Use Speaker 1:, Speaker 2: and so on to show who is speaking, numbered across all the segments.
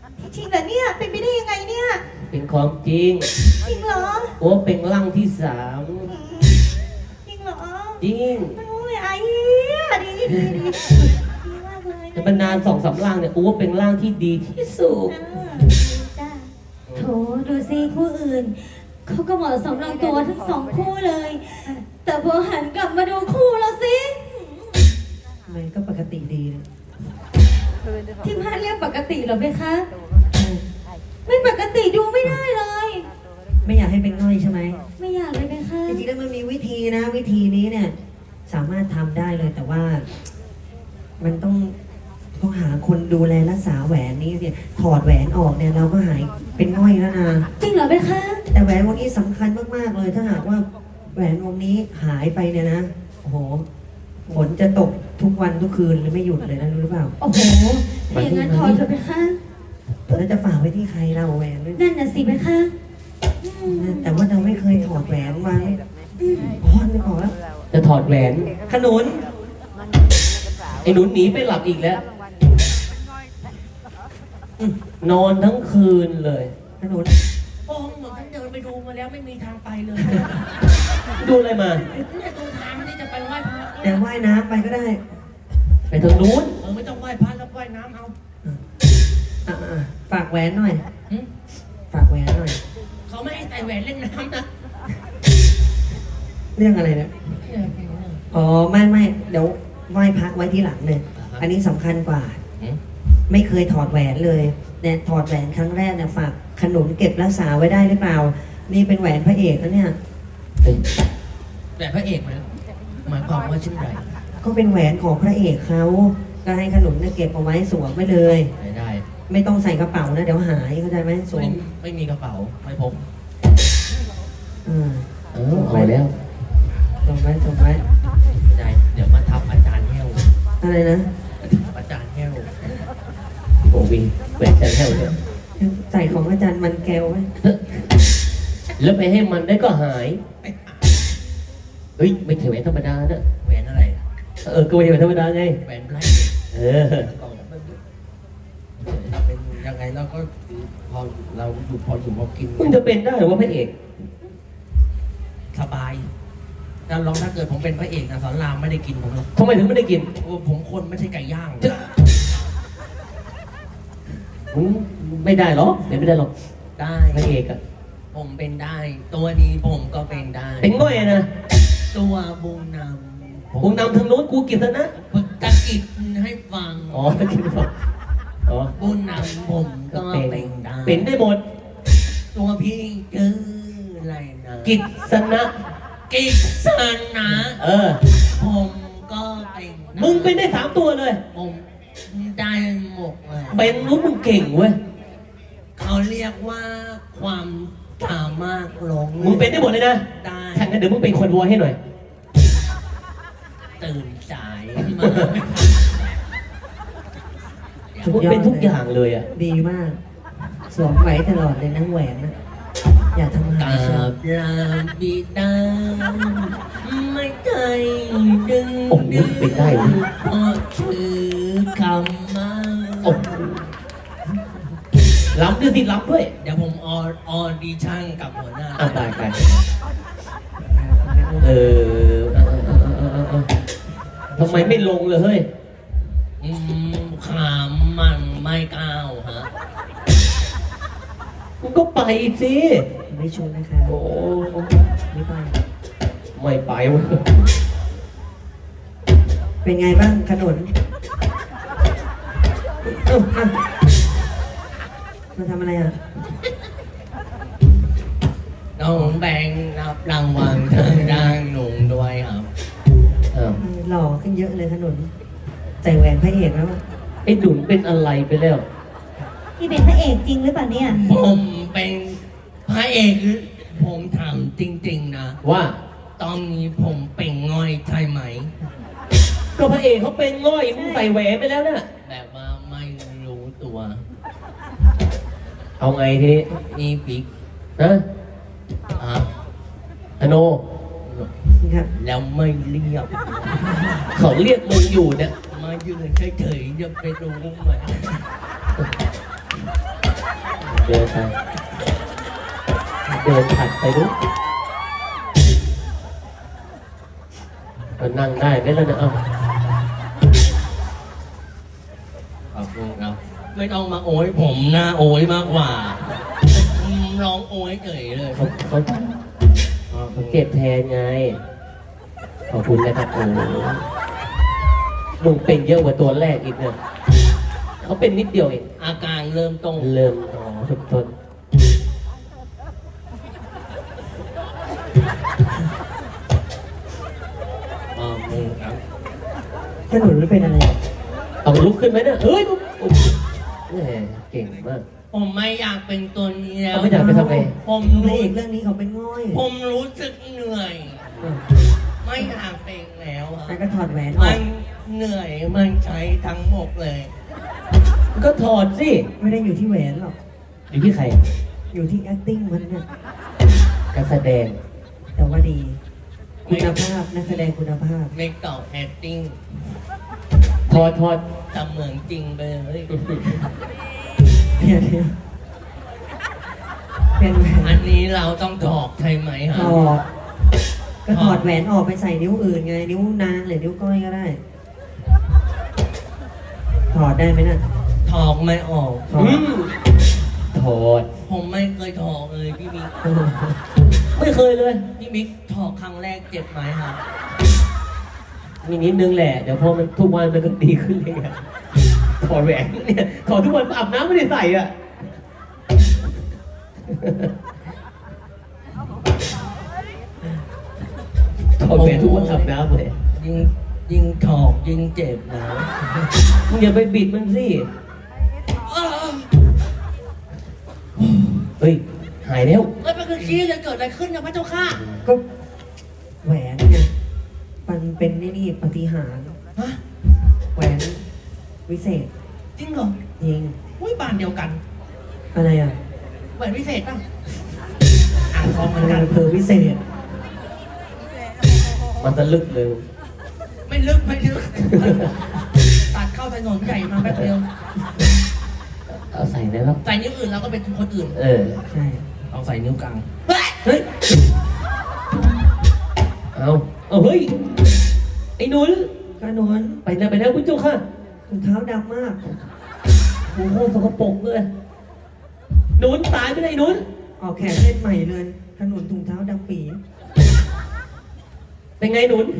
Speaker 1: จริงเหรอเนี่ยเป็นไปได้ยังไงเนี่ย
Speaker 2: เป็นของจริง
Speaker 1: จริงเหรอ
Speaker 2: โอ้เป็นร่างที่3
Speaker 1: จริงเหรอ
Speaker 2: จริง
Speaker 1: โอ้ยไอ้ดีมากเลย
Speaker 2: จะเป็นนาน2-3ร่างเนี่ยโอ้เป็นร่างที่ดีที่สุด
Speaker 1: โถดูสิคู่อื่นเขาก็เหมาะสมลงตัวทั้ง2คู่เลยแต่พอหันกลับมาดูคู่เราสิ
Speaker 3: มันก็ปกติดีนะ
Speaker 1: ที่บ้านเรียกปกติเหรอไหมคะไม่ปกติดูไม่ได้เลย
Speaker 3: ไม่อยากให้เป็นง่อยใช่ไหม
Speaker 1: ไม่อยากเลยไหมคะ
Speaker 3: จริงๆแล้วมันมีวิธีนะวิธีนี้เนี่ยสามารถทำได้เลยแต่ว่ามันต้องหาคนดูแลรักษาแหวนนี้เนี่ยถอดแหวนออกเนี่ยเราก็หายเป็นง่อยแล้วนะ
Speaker 1: จริงเหรอไหมคะ
Speaker 3: แต่แหวนวงนี้สำคัญมากๆเลยถ้าหากว่าแหวนวงนี้หายไปเนี่ยนะโอ้โหฝนจะตกทุกวันทุกคืนเลยไม่หยุดเลยนะรู้หรือเปล่า
Speaker 1: โอ้โหอย่างนั้นถอดเถอะไหมคะ
Speaker 3: แล้วจะฝากไว้ที่ใครเราแหวน
Speaker 1: นั่นน่ะสิไหมคะ
Speaker 3: แต่ว่าเราไม่เคยถอดแหวนวางพ่อไม่ขอแล้ว
Speaker 2: จะถอดแหวน
Speaker 3: ขนุน
Speaker 2: ไอ้หนุนหนีไปหลับอีกแล้วนอนทั้งคืนเลย
Speaker 3: ขนุน
Speaker 4: โอ้เหมือนฉันเดินไปดูมาแล้วไม่มีทางไปเลย
Speaker 2: ดูอะไรมา
Speaker 4: เนี่ยดูทางที่จะไปไหว้พระ
Speaker 3: เดี๋ยวว่ายน้ำไปก็ได้
Speaker 2: ไปทางนู้น
Speaker 4: ไม่ต้องไหว้พระแล้วไหว้น้ำเอา
Speaker 3: ฝากแหวนหน่อยฝากแหวนหน่อย
Speaker 4: เขาไม่ให้ใส่แหวนเล่นน้ำนะ
Speaker 3: เรื่องอะไรเนี่ยอ๋อไม่เดี๋ยวไหว้พระไว้ที่หลังเลยอันนี้สำคัญกว่าไม่เคยถอดแหวนเลยเนี่ยถอดแหวนครั้งแรกเนี่ยฝากขนุนเก็บรักษาไว้ได้หรือเปล่านี่เป็นแหวนพระเอกนะเนี่ย
Speaker 4: แหวนพระเอกไหมหมายความว่าเช่นไร
Speaker 3: ก็เป็นแหวนของพระเอกเขาก็ให้ขนุนเนี่ยเก็บเอาไว้สวมไว้เลย
Speaker 4: ได้
Speaker 3: ไม่ต้องใส่กระเป๋านะเดี๋ยวหายเข้าใจไหมสวม
Speaker 4: ไม่มีกระเป๋าไม่พก
Speaker 2: เอาแล้ว
Speaker 3: ส่งไว้
Speaker 4: ได้เดี๋ยวมาทับอาจารย์แห้ว
Speaker 3: อะไรนะ
Speaker 4: อาจารย์แห้ว
Speaker 2: โอ้วิงแหวนแห้วเนี่ย
Speaker 3: ใส่ของอาจารย์มันแก้วไว้
Speaker 2: แล้วไปให้มันได้ก็หายเฮ้ยไม่ใช่แหวนธรรมดานะ
Speaker 4: แหวนอะไร
Speaker 2: ก็ไม่ใช่แหวนธรรมดาไง
Speaker 4: แหวนไพร่
Speaker 2: เป็น
Speaker 4: ยังไงเราก็พอเราอยู่พอกิน
Speaker 2: มันจะเป็นได้หรือว่าพระเอก
Speaker 4: สบายถ้าเกิดผมเป็นพระเอกนะสอนรามไม่ได้กินผมหรอก
Speaker 2: ทำไมถึงไม่ได้กิน
Speaker 4: ผมคนไม่ใช่ไก่ย่าง
Speaker 2: ไม่ได้หรอไม่ได้หรอก
Speaker 4: ได้
Speaker 2: พระเอกอะ
Speaker 4: ผมเป็นได้ตัวนี้ผมก็เป็นได้
Speaker 2: เป็นง่อยนะ
Speaker 4: ตัวบุญน
Speaker 2: ำทางโน้นกูกินนะ
Speaker 4: ตะกิดให้ฟัง
Speaker 2: ตะกิดฟัง
Speaker 4: บุญนำผมก็เป็นได้
Speaker 2: เป็นได้หมด
Speaker 4: ตัวพี่คืออะไรนะ
Speaker 2: กิจสนะ
Speaker 4: ผมก็เป็น
Speaker 2: มึงเป็นได้3ตัวเลย
Speaker 4: ผมได้หมดเลย
Speaker 2: เป็นรู้มึงเก่งเว้ย
Speaker 4: เขาเรียกว่าความสามารถลง
Speaker 2: มึงเป็นได้หมดเลยนะ
Speaker 4: ได้
Speaker 2: ถ้างั้นเดี๋ยวมึงเป็นคนวัวให้หน่อย
Speaker 4: ตื่นสายมา
Speaker 2: มึงเป็นทุกอย่างเลยอ่ะ
Speaker 3: ดีมากสวมไว้ตลอดเลยนะแหวนนะอย่าทำหาย
Speaker 4: ลาบิดาไม่เคยดึง
Speaker 2: ไม่ได้
Speaker 4: พอชื่อคำมา
Speaker 2: ล้ำด้วยสิล้ำด้วย
Speaker 4: เดี๋ยวผมออดิชั่นกับหัวหน้า
Speaker 2: ตายไปทำไมไม่ลงเลยเฮ้ย
Speaker 4: ขามมันไม่ก้าวฮะ
Speaker 2: มึงก็ไปสิ
Speaker 3: ไม่ชวนนะคะ
Speaker 2: โอ้
Speaker 3: ไม่ไป
Speaker 2: ไม่ไปวะ
Speaker 3: เป็นไงบ้างขนุนมาทำอะไรอ่ะ
Speaker 4: น้องแบงรับรางวัลทางด้านหนุ่มด้วยครับ
Speaker 3: หล่อขึ้นเยอะเลยขนุนใส่แหวนพระเอกแล้ว
Speaker 2: ไอ้ดุนเป็นอะไรไปแล้ว
Speaker 1: พี่เป็นพระเอกจริงหรือเปล่าเนี่ย
Speaker 4: ผมเป็นพระเอกผมถามจริงๆนะ
Speaker 2: ว่า
Speaker 4: ตอนนี้ผมเป็นง่อยใช่ไหม
Speaker 2: ก็พระเอกเขาเป็นง่อยมึงใส่แหวนไปแล้วเนี่ย
Speaker 4: แบบว่าไม่รู้ตัว
Speaker 2: เอาไงที
Speaker 4: นี่ปิ๊ก
Speaker 2: นะอโน
Speaker 4: แล้วไม่เรียก
Speaker 2: เขาเรียกมึงอยู่เนี่ย
Speaker 4: มายืนเฉยๆจะไปรู้ไหม
Speaker 2: เดินไปเดินถัดไปดูมันนั่งได้ไหมล่ะเนี่ยเอ้าขอบคุณครับ
Speaker 4: ไม่ต้องมาโอยผมนะโอยมากกว่าร้องโอยเฉยเลย
Speaker 2: เขาเก็บแทนไง ขอบคุณนะครับโอ้มึงเป็นเยอะกว่าตัวแรกอีกเนี่ยเขาเป็นนิดเดียวเอง
Speaker 4: อาการเริ่มต้น
Speaker 2: เริ่มทุกต้น
Speaker 4: ครับ
Speaker 3: ขนุนมันเป็นอะไร
Speaker 2: ต้องลุกขึ้นไหมเนี่ยเฮ้ยแหมเก่งมาก
Speaker 4: ผมไม่อยากเป็นตัวนี้แล้ว
Speaker 2: เขาไม่อยากไปทำไง
Speaker 4: ผม
Speaker 3: พระ
Speaker 4: รู้
Speaker 3: เอกเรื่องนี้เขาเป็นง่อย
Speaker 4: ผมรู้สึกเหนื่อย ไม่อยากเป็นแล้วอะ
Speaker 3: แล้วก็ถอดแหวนอ
Speaker 4: มั
Speaker 3: อก
Speaker 4: นเหนื่อยมันใช้ทั้งหมดเลย
Speaker 2: ก็ถอดสิ
Speaker 3: ไม่ได้อยู่ที่แหวนหรอก
Speaker 2: อยู่ที่ใคร
Speaker 3: อยู่ที่ acting มันเนี่ย
Speaker 2: การแสดง
Speaker 3: แต่ว่าดี คุณภาพนักแสดงคุณภาพ
Speaker 4: ไม่ตอบแอคติ้ง
Speaker 2: ถอด
Speaker 4: ทำเหมือนจริงไปเลย
Speaker 3: เพียนเพียนเป็นแหว
Speaker 4: อั
Speaker 3: น
Speaker 4: นนี้เราต้องถอกใช่ไหม
Speaker 3: ถ
Speaker 4: ฮะ
Speaker 3: อดก็ถอดแหวนออกไปใส่นิ้วอื่นไง นิ้วนางหรือนิ้วก้อยก็ได้ ถอดได้ไหมน่ะ
Speaker 4: ถอกไม่ออก
Speaker 3: ถอด
Speaker 2: ถอด
Speaker 4: ผมไม่เคยถอกเลยพี่มิก
Speaker 2: ไม่เคยเลย
Speaker 4: พี่มิกถอกครั้งแรกเจ็บไหมฮะ
Speaker 2: มีนิดนึงแหละ เดี๋ยวพอมันทุกวันมันก็ดีขึ้นเองอะถอดแหวนเนี่ยถอดทุกวันอาบน้ำไม่ได้ใส่อะถอดแหวนทุกวันอาบน้ำเลย
Speaker 4: ยิงถอกยิงเจ็บนะ
Speaker 2: มึงอย่าไปบิดมันสิ
Speaker 4: เออ
Speaker 2: เฮ้ย หายแล้ว
Speaker 4: เอ้ยมันคือขี้จะเกิดอะไรขึ้นนะพระเจ้าค่ะ
Speaker 3: ก็แหวนไงมันเป็นนี่ปาฏิหาริย์
Speaker 4: ฮะ
Speaker 3: แหวนวิเศษ
Speaker 4: จริงเหรอ
Speaker 3: จริง
Speaker 4: อุ้ยบ้านเดียวกัน
Speaker 3: อะไรอ่ะ
Speaker 4: แหวนพิเศษป่ะอ่างทองเหมื
Speaker 3: อะ
Speaker 4: อน
Speaker 3: ไร
Speaker 4: กัน
Speaker 3: อำเภอวิเศษ
Speaker 2: มันจะลึกเลย
Speaker 4: ไม่ลึกไม่ลึกตัดเข้าถนนใหญ่มาแป๊บเดียว
Speaker 2: เอาใส่นะครับ
Speaker 4: ใส่นิ้วอื่นเราก็เป็นคนอื่น
Speaker 2: เออ
Speaker 3: ใช่
Speaker 4: เอาใส่นิ้วกลาง
Speaker 2: เฮ้ย เอาเฮ้ย ไอ้หนุน
Speaker 3: กระนวน
Speaker 2: ไปแล้วคุณเจ้าค่ะ
Speaker 3: ถุงเท้าดำมาก
Speaker 2: โอ้โหสกปรกเลยหนุนตายไปเลยหนุน
Speaker 3: ออกแขนเล่นใหม่เลยขนุนถุงเท้าดำปี
Speaker 2: เป็นไงหนุน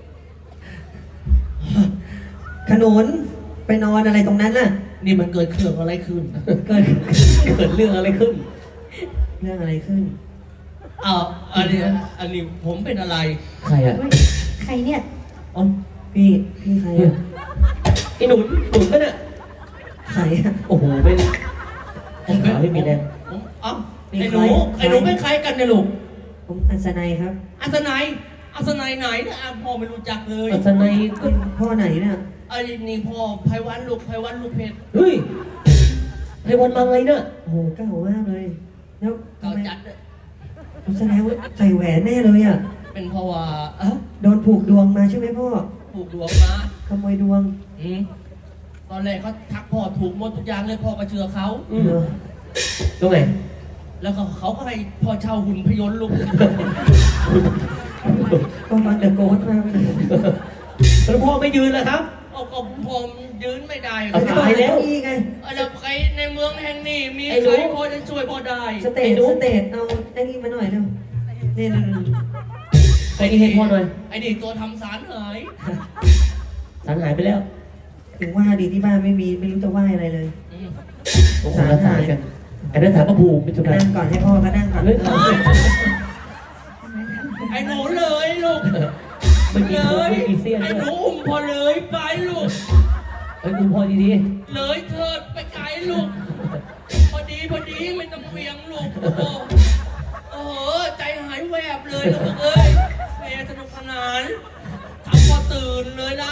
Speaker 3: ขนุนไปนอนอะไรตรงนั้นน่ะ
Speaker 4: นี่มันเกิดเครื่องอะไรขึ้น
Speaker 3: เกิด
Speaker 2: เกิดเรื่องอะไรขึ้น
Speaker 3: เรื่องอะไรขึ้น
Speaker 4: อ้าวอันนี้ผมเป็นอะไร
Speaker 2: ใครอะ
Speaker 1: เฮ้ยใครเนี่ย
Speaker 3: อ๋อพี่ใครอ่ะ
Speaker 2: ไอ้หนุนก็เนี่ย
Speaker 3: ใครอ่ะ
Speaker 2: โอ้โหเป็น
Speaker 4: ผมเป็น
Speaker 2: ขาไม่มีแรง
Speaker 4: ผมเอ้า
Speaker 3: มี
Speaker 4: ไอ้ห
Speaker 3: ใค
Speaker 4: นู
Speaker 3: ร
Speaker 4: ไอ้หนูเป็นใครกันเนี่ยลูก
Speaker 3: ผมอัศนัยครับ
Speaker 4: อัศนัยไหนเนี่ยอ่ะพ่อไม่รู้จักเลย
Speaker 2: อัศนัยก็
Speaker 3: พ่อไหนเนี่ย
Speaker 4: ไอ้นี่พ่อไพวันลูกเพชร
Speaker 2: เฮ้ยไอ้วันมาไงเนี่ย
Speaker 3: โอ้โหเก่ามากเลย แล้วทำ
Speaker 4: เก่า
Speaker 3: ไม
Speaker 4: จัดเลย
Speaker 3: แสดงว่าใส่แหวนแน่เลยอ่ะ
Speaker 4: เป็นเพราะว่า
Speaker 3: โดนผูกดวงมาใช่ไหมพ่อ
Speaker 4: ผูกดวงมา
Speaker 3: ขโมยดวง
Speaker 4: อืมตอนแรกเขาทักพ่อถูกหมดทุกอย่างเลยพ่อก็เชื่อเขา
Speaker 3: เหรอ
Speaker 2: ตรงไหน
Speaker 4: แล้วก็เขาก็ให้พ่อเช่าหุ่นพยนต์ลูก
Speaker 3: ก็ฟังเดอะโกสมาไปเลย
Speaker 2: แล้วพ่อไม่ยืนแล้วครับ
Speaker 4: เอาก็ผมยืนไม่ได้
Speaker 2: เอา
Speaker 4: ค
Speaker 2: ตายแล้ว
Speaker 3: นี่ไง
Speaker 4: แล้วใครในเมืองแห่งนี้มี
Speaker 2: ไอ้หนู
Speaker 4: ใครพอจะช่วยพ่อได้
Speaker 3: สเตจเอาไอ้นี่มาหน่อยเร็วนี่
Speaker 2: ไปนี่ให้พ่อหน่อย
Speaker 4: ไอ้นี่ตัวทำสารหาย
Speaker 2: สารหายไปแล้ว
Speaker 3: ถึงว่าดีที่บ้านไม่รู้จะไหว้อะไรเลย
Speaker 4: อืม
Speaker 2: โอ้โหรักษากันไอ้นั่นสารพระภูมิเป็นจุดไหน
Speaker 3: นั่งก่อนให้พ่อก็นั่งก่อน
Speaker 2: เฮ้ย
Speaker 4: ไอ้หนูเลยลูก
Speaker 2: ไม่มี
Speaker 4: เล
Speaker 2: โค้ง
Speaker 4: ย
Speaker 2: ไม่มีเสี้ยน
Speaker 4: ไอ้
Speaker 2: ด้
Speaker 4: ห
Speaker 2: วย
Speaker 4: นูอุ้มพอเลยไปลูก
Speaker 2: เฮ้ยคุณพ่อดี
Speaker 4: เลยเถิดไปไกลลูก พอดีไม่ต้องเวียงลูก โอ้โหใจหายแวบเลยลูกเอ้ยแม่สนุกสนานทำพอตื่นเลยนะ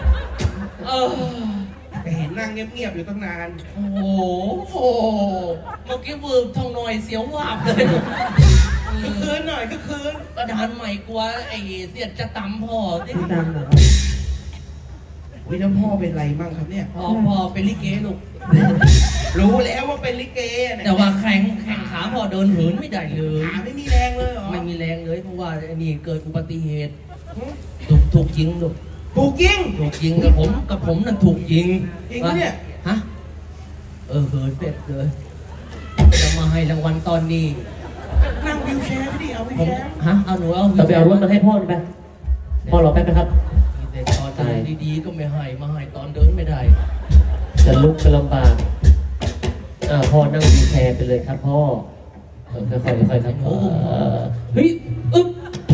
Speaker 5: แต่เห็นนั่งเงียบๆอยู่ตั้งนาน
Speaker 4: โอ้โหเมื่อกี้วืบทองหน่อยเสียววาบเลย
Speaker 5: ก็คืนหน่อยก็คืน
Speaker 4: กระดานใหม่กลัวไอ้เสียดจะตำพ่อสิ
Speaker 3: พี่ดำเหรอ
Speaker 5: วิน้ำพ่อเป็นไรบ้างครับเนี่ย
Speaker 4: พ่อเป็นลิเกลูก
Speaker 5: รู้แล้วว่าเป็นลิเกเนี่ย
Speaker 4: แต่ว่าแข่งขาพอเดินเหินไม่ได้เลย
Speaker 5: ขาไม่มีแรงเลยเหรอ
Speaker 4: ไม่มีแรงเลยเพราะว่าไอ้นี่เกิดอุบัติเหตุถูกยิงลูก
Speaker 5: ถูกยิง
Speaker 4: ถูกยิงกับผมนั่นถูกยิง
Speaker 5: จริงปะเนี่ย
Speaker 4: ฮะเหินเป็ดเลยจะมาให้รางวัลตอนนี้
Speaker 5: นั่งวิวแชร์ไม่ดิเอาวิว
Speaker 4: ผม
Speaker 5: แชร์
Speaker 4: ฮะเอาหนูเอา
Speaker 2: เราไปเอารถมาให้พ่อไปพ่อรอแป๊บนะครับ
Speaker 4: แต่ตอนเดินดีๆก็ไม่ให้มาให้ตอนเดินไม่ได้
Speaker 2: จะลุกก็ลำบากพ่อนั่งวีลแชร์ไปเลยครับพ่อค่อยๆค่อยๆครับเฮ้ยอึ๊บ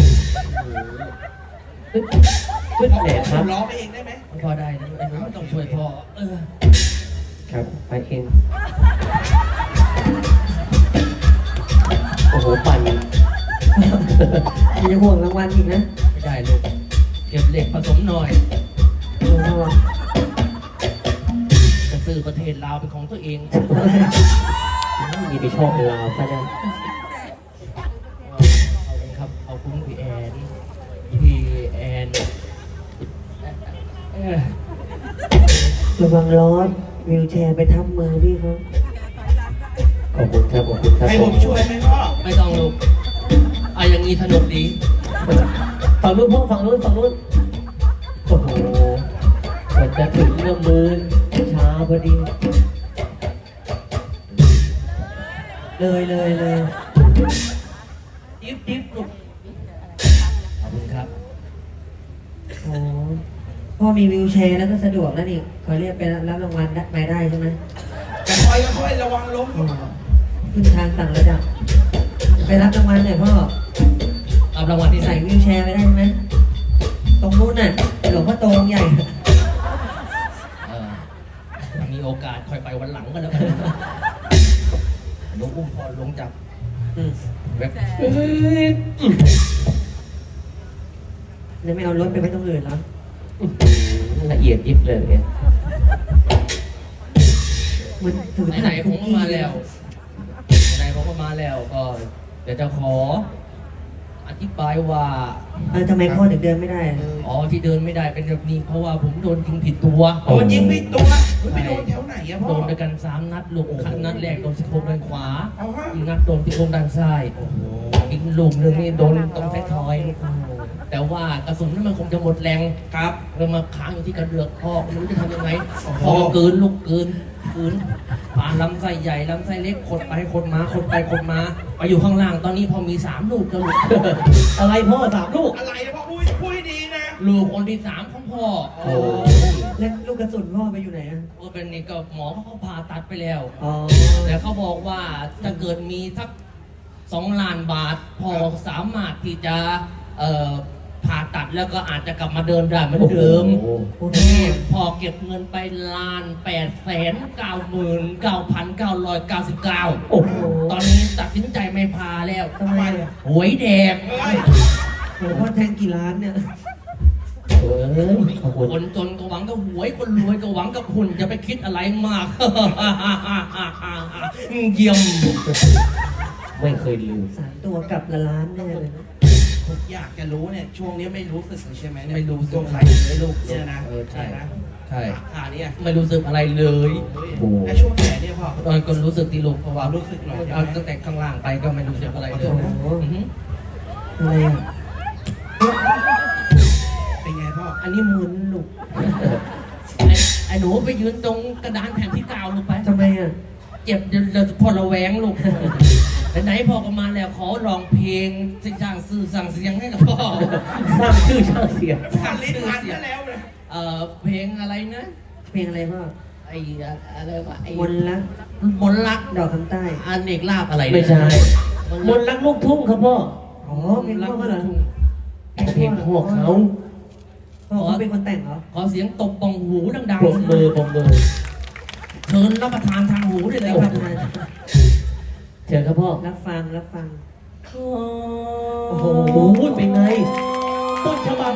Speaker 2: ขึ้นแหนครับ
Speaker 5: ร้องไปเองได้ไหม
Speaker 4: พอได้นะไอ้หนูต้องช่วยพ่อ
Speaker 2: ครับไปเองโอ้โหปั่น
Speaker 3: อย่าห่วงรางวัลอีกนะ
Speaker 4: ไม่ได้ลูกเก็บเหล็กผสมหน่อย
Speaker 3: ห่วงรางวัล
Speaker 4: จะซื้อประเทศลาวเป็นของตัวเอง
Speaker 2: มีไปชอบลาวซะแล้ว
Speaker 4: ครับขอบคุณพี่แอน
Speaker 3: ระวังร้อนวิวแชร์ไปทับมือพี่เขา
Speaker 2: ขอบคุณครับขอบคุณครับ
Speaker 5: ให้ผมช่วยไหมพ่อ
Speaker 4: ไม่ต้องลูกอย่างนี้สนุกดี
Speaker 2: ฝั่งนู้นพ่อฝั่งนู้นโอ้โหกว่าจะถึงเรื่องมือช้าพอดี
Speaker 3: เลย
Speaker 4: จิ๊บลูกขอบคุณครับ
Speaker 3: โอ้พ่อมีวิวแชร์แล้วก็สะดวกแล้วนี่เขาเรียกไปรับรางวัลไปได้ใช่ไหม
Speaker 5: จะคอยระวังล้ม
Speaker 3: อ๋อขึ้นทางต่างระดับ ไปรับรางวัลหน่อยพ่อ
Speaker 4: รับรางวัลที่ไหน
Speaker 3: ใส่วิวแชร์ไปได้ไหมตรงนู้นน่ะหลวงพ่อโตองค์ใหญ่
Speaker 4: มีโอกาสค่อยไปวันหลังก็แล้วกันหลวงอุ้มพอลงจาก
Speaker 3: อืม
Speaker 4: แบบ
Speaker 3: แล้วไม่เอารถไปไว้ตรงอื่นเหรอ
Speaker 2: ละเอียดยิบเลยเนี่ย
Speaker 3: มันถือ
Speaker 4: ไหนๆผมก็มาแล้วก็เดี๋ยวจะขออธิบายว่า
Speaker 3: ทำไมพ่อถึงเดินไม่ได้อะ
Speaker 4: ที่เดินไม่ได้เป็นแบบนี้เพราะว่าผมโดนยิงผิดตัว
Speaker 5: โดนยิงผิดตัวไปโดนแถวไหนอะพ่อ
Speaker 4: โดนด้วยกัน3 นัดลูกนัดแรกโดนซี่โครงด้านขวา
Speaker 5: เอาฮะ
Speaker 4: อีกนัดโดนซี่โครงด้านซ้ายอีกลูกหนึ่งนี่โดนตรงท้ายทอยแต่ว่ากระสุนนั้นมันคงจะหมดแรง
Speaker 5: ครับ
Speaker 4: เลยมาค้างอยู่ที่กระเดือกพ่อไม่รู้จะทำยังไงพ่อเกินลูกเกินผ่านลำไส้ใหญ่ลำไส้เล็กขดไปขดมาไปอยู่ข้างล่างตอนนี้พอมี3 ลูกก็ลูก
Speaker 2: อะไรพ่อ3 ลูก
Speaker 5: อะไรนะพ่อพูดให้ดีนะ
Speaker 4: ลูกคนที่3ของพ่อ
Speaker 2: โอ้
Speaker 3: แล้วลูกกระสุนพ่อไปอยู่ไหนอ่ะ
Speaker 4: ก็เป็นนี่ก็หมอเขาผ่าตัดไปแล้ว
Speaker 3: อ๋อ
Speaker 4: แต่เขาบอกว่าถ้าเกิดมีสัก2 ล้านบาทพอสามารถที่จะผ่าตัดแล้วก็อาจจะกลับมาเดินได้เหมือนเดิม
Speaker 3: โอเค
Speaker 4: พอเก็บเงินไป1,899,999
Speaker 2: โอ้โห
Speaker 4: ตอนนี้ตัดสินใจไม่พาแล้ว
Speaker 3: ทำไมอ่ะ
Speaker 4: หวยแดก
Speaker 5: เฮ้ย
Speaker 3: โหพ่อแทงกี่ล้านเนี่ย
Speaker 2: ขอบคุณ
Speaker 4: คนจนก็หวังกับหวย คนรวยก็หวังกับหุ่นจะไปคิดอะไรมาก เยี่ยม
Speaker 2: ไม่เคยลืม
Speaker 3: 3 ตัวกลับละล้านแน่เลยนะ
Speaker 5: ผมอยากจะรู้เนี่ยช่วงนี้ไม่รู้สึกใช่ไหมเนี่ย
Speaker 4: ไม่รู้สึ
Speaker 5: ตัว
Speaker 4: ก
Speaker 5: ใคร
Speaker 4: ไม่รู้
Speaker 5: เนี่ยนะ
Speaker 4: ใช่
Speaker 5: นะ
Speaker 4: ใช่
Speaker 5: ขาเนี่ย
Speaker 4: ไม่รู้สึกอะไรเลย
Speaker 2: โอ้
Speaker 5: และช่วงแขนเนี่ยพ่อ
Speaker 4: ตอนก็รู้สึกที่ลูกเพราะว่า
Speaker 5: รู้สึกหน่อย
Speaker 4: เอาตั้งแต่ข้างล่างไปก็ไม่รู้สึกอะไรเลย
Speaker 3: โอ้โห
Speaker 4: อือหือ
Speaker 3: อะไรอ่ะ
Speaker 5: เป็นไงพ่อ
Speaker 3: อันนี้มึนลูก
Speaker 4: ไอ้หนูไปยืนตรงกระดานแผ่นที่9ลูกไป
Speaker 3: ทำไมอ่ะ
Speaker 4: เจ็บเดี๋ยวพอระแวงลูกไหนๆพ่อก็มาแล้วขอร้องเพลงสิ่งสั่งสื่อสั่งเสียงให้กับพ่อ
Speaker 2: สร้างชื่อช่างเสียง
Speaker 5: ขาลิ้นพันก็แล้วเลย
Speaker 4: เพลงอะไรนะ
Speaker 3: เพลงอะไรพ่อ
Speaker 4: ไอ้อะไรวะไอ้
Speaker 3: มนต์รัก
Speaker 4: มนต์รัก
Speaker 3: ดอกคำใต้
Speaker 4: อเนกลาบอะไรนะ
Speaker 2: ไม่ใช่
Speaker 4: ม
Speaker 2: ม
Speaker 4: น
Speaker 2: น
Speaker 4: ต์
Speaker 2: ต์
Speaker 4: รัก
Speaker 2: รักลูกทุ่งครับพ่อ
Speaker 3: อ๋อเพลงพ่อเหรอ
Speaker 2: เพลงพ่อเขา
Speaker 3: พ่อเขาเป็นคนแต่งเหรอ
Speaker 4: ขอเสียงตบปองหูดัง
Speaker 2: ปรบมือปรบมือ
Speaker 4: ๆเชิญรับประทานทางหูได้เลย
Speaker 3: รับ
Speaker 4: ค
Speaker 3: ป
Speaker 4: รับ
Speaker 3: ระทาน
Speaker 2: เชิญครับพ่อ
Speaker 3: รับฟัง
Speaker 4: โ
Speaker 3: โอ้โห
Speaker 2: โอ้ยเป็นไง ต้นฉบับ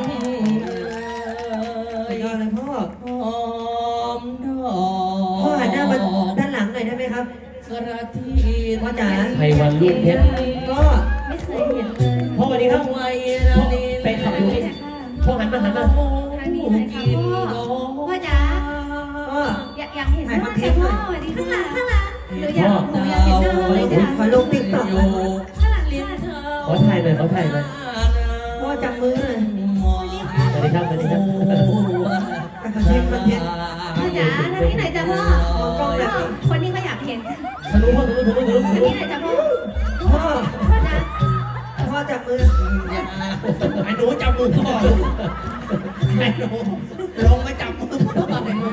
Speaker 3: สุดยอดเลยพ่อ
Speaker 4: หอมดอก
Speaker 3: พ่อหันหน้ามาด้านหลังหน่อยได้ไหมครับ
Speaker 4: กระที
Speaker 3: พ่อจ๋า
Speaker 2: ไพวันลูกเพชร
Speaker 3: ก็
Speaker 1: ไม่เคยเห็นเลย
Speaker 2: พ่อสวัสดีครับ
Speaker 4: ไว้
Speaker 2: พ่อไปขับอยู่นี่พ่อหันมา
Speaker 1: ทางนี้เลยค่ะพ่อพ่อจ๋า
Speaker 3: พ่อ
Speaker 1: อยากเห็นพ่อแต่พ่อสวัสดีข้างหลังหนูอยากเห็นหน้าเลยจ้ะ
Speaker 3: ขอลงติ๊กต็อก
Speaker 4: อยู่
Speaker 1: ข้างหลัง
Speaker 4: ริม
Speaker 1: จ้ะ
Speaker 4: เธอ
Speaker 2: ขอถ่ายหน่อยขอถ่ายหน่อย
Speaker 3: พ่อจับมือหน่อย
Speaker 2: สวัสดีครับสวัสดีครับ
Speaker 3: คอนเทนต์คอนเทนต์
Speaker 1: พ่อจ๋าทางนี้หน่อยจ้ะพ่อพ่อคนนี้ก็อยากเห็นจ้ะ
Speaker 2: ทะลุทะลุทะลุทะลุทะ
Speaker 1: ทาง
Speaker 2: ลุ
Speaker 1: นี้หน่อยจ้ะพ่อ
Speaker 3: พ่อ
Speaker 1: พ่อจ๋า
Speaker 3: พ่อจับมือ
Speaker 5: ไอ้หนูจับมือพ่อไอ้หนูลงมาจับมือพ่อไอ้หนู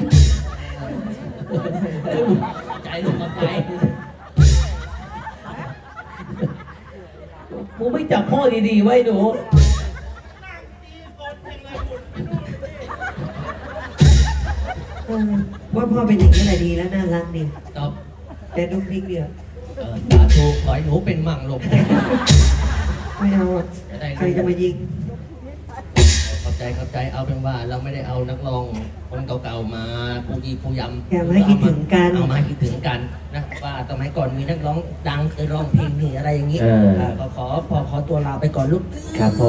Speaker 4: ใจลูกกับใจ
Speaker 2: กูไม่จับพ่อดีๆไว้หนู
Speaker 3: ว่าพ่อเป็นอย่างนี้แหละดีแล้วน่ารักดี
Speaker 4: ตอบ
Speaker 3: แต่ดุ๊กดิ๊กเดียว
Speaker 4: สาธุขอให้หนูเป็นมั่งลูก
Speaker 3: ไม่เอาอะใครจะมายิง
Speaker 4: เข้าใจเอาเป็นว่าเราไม่ได้เอานักร้องคนเก่าๆมาผู้ยีผู้ยำ
Speaker 3: แกมาให้คิดถึงกัน
Speaker 4: เอามาให้คิดถึงกันนะว่าสมัยก่อนมีนักร้องดังเคยร้องเพลงนี่อะไรอย่างนี้
Speaker 2: เออ
Speaker 4: ก็ขอตัวลาไปก่อนลูก
Speaker 2: ครับพ่อ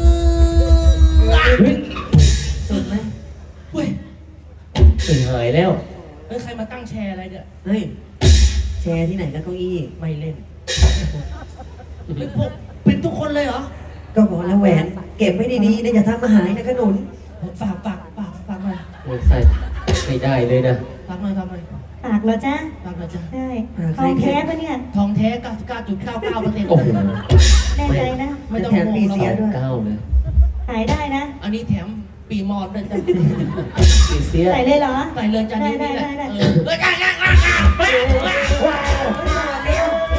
Speaker 3: สุดไหม
Speaker 4: เฮ้ย
Speaker 2: ตื่นหายแล้ว
Speaker 4: เฮ้ยใครมาตั้งแชร์อะไรเนี่ย
Speaker 3: เฮ้ย แชร์ที่ไหนก็เก้าอี้
Speaker 4: ไม่เล่นเป็นพวกเป็นทุกคนเลยเหรอ
Speaker 3: ก็บอกแล้วแหวน เก็บไว้ดีๆนะอย่าทำมาหายนะขนุน
Speaker 4: ฝากหน่อย
Speaker 2: โอ้ยใส่ไม่ได้เลยนะ
Speaker 4: ฝากหน่อย
Speaker 1: ปากเหรอจ้ะ
Speaker 4: ฝากหน่อยจ้ะ
Speaker 1: ได้ทองแท้ปะเนี่ย
Speaker 4: ทองแท้ 99.99%
Speaker 2: โอ้โห
Speaker 1: แน่ใจนะ
Speaker 4: ไม่ต้อง
Speaker 3: แถม
Speaker 4: ง
Speaker 3: ปี
Speaker 4: ง
Speaker 3: เสีย
Speaker 4: หรอก
Speaker 3: ด้วย
Speaker 2: เก้าเลย
Speaker 1: ขายได้นะ
Speaker 4: อันนี้แถมปีมอนด้วยจ้ะ
Speaker 2: ปีเสีย
Speaker 1: ใส่เลยเหรอ
Speaker 4: ใส่เลยจ้ะนี่แหละ
Speaker 1: ได้
Speaker 4: เออเฮ้ย
Speaker 2: ว้าว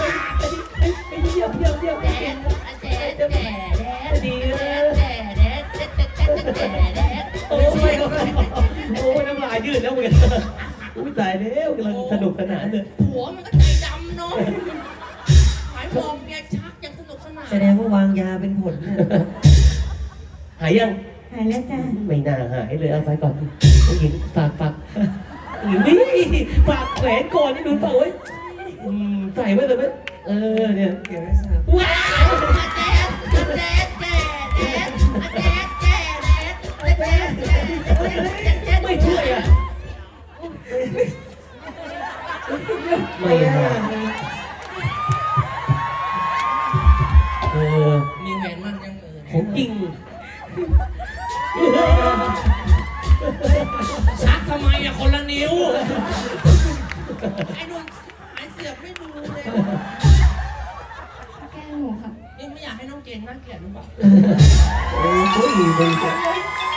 Speaker 2: ดีเลยโอ้ยโอ้ยน้ำลายยืดแล้วเหมือนกันอุ้ยตายแล้วกำลังสนุกสนานเลย
Speaker 4: ผัวมันก็ใจดำเนาะหมายบอกเมียชักอย่างสนุกสนาน
Speaker 3: แสดงว่าวางยาเป็นผลเนี่ย
Speaker 2: หายยัง
Speaker 1: หายแล้วจ้ะ
Speaker 2: ไม่น่าหายเลยเอาไปก่อนผู้หญิงฝากหญิงนี่ฝากแหวนก่อนนี่ดูฝากไว้ใส่ไว้เลยไหมเนี่ย
Speaker 3: เก็บไว้ทราบ
Speaker 2: ว้าวไม่ช่วยอ่ะไม่หาย
Speaker 4: มีแหวนมันยัง
Speaker 2: ของจริง
Speaker 4: ชักทำไมอะคนละนิ้ว ไอ้นุ่นหายเสียบไม่ดูเลย
Speaker 1: แก้หนูค่ะ
Speaker 4: นี่ไม่อยากให้น้องเกณฑ์น่าเกลียดหรือเปล่า
Speaker 3: โอ้ยมึงจะ
Speaker 4: เ